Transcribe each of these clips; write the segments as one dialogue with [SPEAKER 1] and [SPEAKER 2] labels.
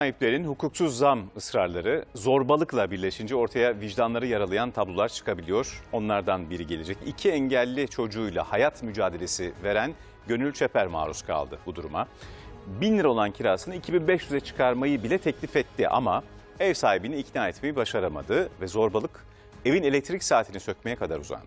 [SPEAKER 1] Sahiplerin hukuksuz zam ısrarları zorbalıkla birleşince ortaya vicdanları yaralayan tablolar çıkabiliyor. Onlardan biri gelecek. 2 engelli çocuğuyla hayat mücadelesi veren Gönül Çeper maruz kaldı bu duruma. 1000 lira olan kirasını 2500'e çıkarmayı bile teklif etti ama ev sahibini ikna etmeyi başaramadı ve zorbalık evin elektrik saatini sökmeye kadar uzandı.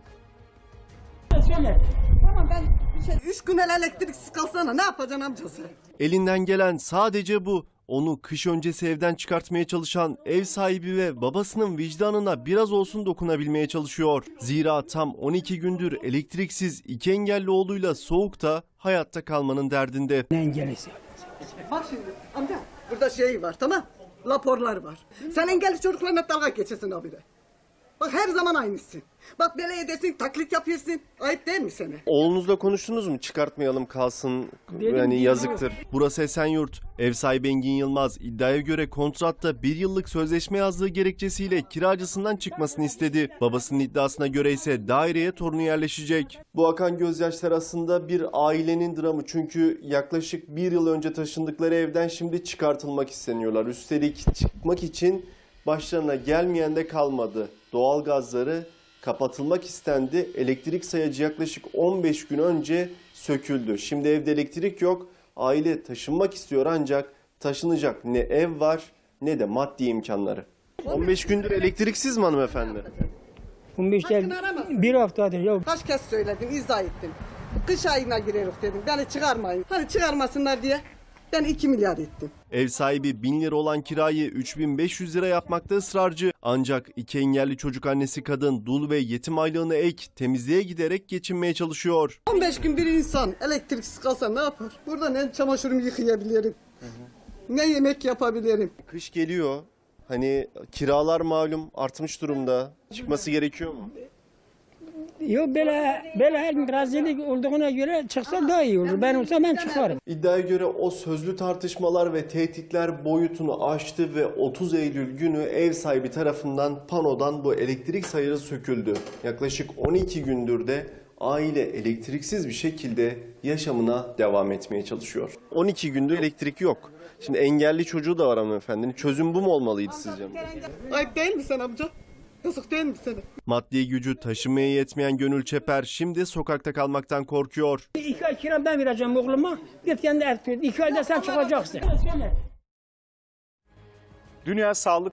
[SPEAKER 2] Söyle. Tamam ben 3 gün elektriksiz kalsana ne yapacaksın amcası?
[SPEAKER 3] Elinden gelen sadece bu. Onu kış öncesi evden çıkartmaya çalışan ev sahibi ve babasının vicdanına biraz olsun dokunabilmeye çalışıyor. Zira tam 12 gündür elektriksiz 2 engelli oğluyla soğukta hayatta kalmanın derdinde.
[SPEAKER 4] Ne engelisi?
[SPEAKER 2] Bak şimdi amca burada şey var tamam raporlar var. Sen engelli çocuklarla dalga geçesin abire. Bak her zaman aynısın. Bak böyle edersin taklit yapıyorsun. Ayıp değil mi sana?
[SPEAKER 3] Oğlunuzla konuştunuz mu? Çıkartmayalım kalsın, yani yazıktır. Burası Esenyurt. Ev sahibi Engin Yılmaz iddiaya göre kontratta 1 yıllık sözleşme yazdığı gerekçesiyle kiracısından çıkmasını istedi. Babasının iddiasına göre ise daireye torunu yerleşecek. Bu akan gözyaşlar aslında bir ailenin dramı. Çünkü yaklaşık 1 yıl önce taşındıkları evden şimdi çıkartılmak isteniyorlar. Üstelik çıkmak için başlarına gelmeyen de kalmadı. Doğalgazları kapatılmak istendi. Elektrik sayacı yaklaşık 15 gün önce söküldü. Şimdi evde elektrik yok. Aile taşınmak istiyor ancak taşınacak ne ev var ne de maddi imkanları. 15 gündür elektriksiz mi hanımefendi?
[SPEAKER 4] 15
[SPEAKER 2] Hakkını arama.
[SPEAKER 4] bir haftadır ya.
[SPEAKER 2] Kaç kez söyledim izah ettim. Kış ayına gireriz dedim. Beni çıkarmayın. Hani çıkarmasınlar diye ben 2 milyar ettim.
[SPEAKER 3] Ev sahibi 1000 lira olan kirayı 3500 lira yapmakta ısrarcı. Ancak 2 engelli çocuk annesi kadın dul ve yetim aylığını ek temizliğe giderek geçinmeye çalışıyor.
[SPEAKER 2] 15 gün bir insan elektriksiz kalsa ne yapar? Burada ne çamaşırımı yıkayabilirim, ne yemek yapabilirim.
[SPEAKER 3] Kış geliyor. Hani kiralar malum artmış durumda. Çıkması gerekiyor mu?
[SPEAKER 4] Yok böyle her gün razılık olduğuna göre çıksa daha iyi olur. Ben olsam ben çıkarım.
[SPEAKER 3] İddiaya göre o sözlü tartışmalar ve tehditler boyutunu aştı ve 30 Eylül günü ev sahibi tarafından panodan bu elektrik sayarı söküldü. Yaklaşık 12 gündür de aile elektriksiz bir şekilde yaşamına devam etmeye çalışıyor. 12 gündür elektrik yok. Şimdi engelli çocuğu da var hanımefendinin. Çözüm bu mu olmalıydı sizce?
[SPEAKER 2] Ayıp değil mi sen amca? Yazık değil mi sana?
[SPEAKER 3] Maddi gücü taşımaya yetmeyen Gönül Çeper şimdi sokakta kalmaktan korkuyor.
[SPEAKER 4] 2 ay kira ben vereceğim oğluma. Git kendi 2 ayda sen çıkacaksın. Söyle.
[SPEAKER 1] Dünya Sağlık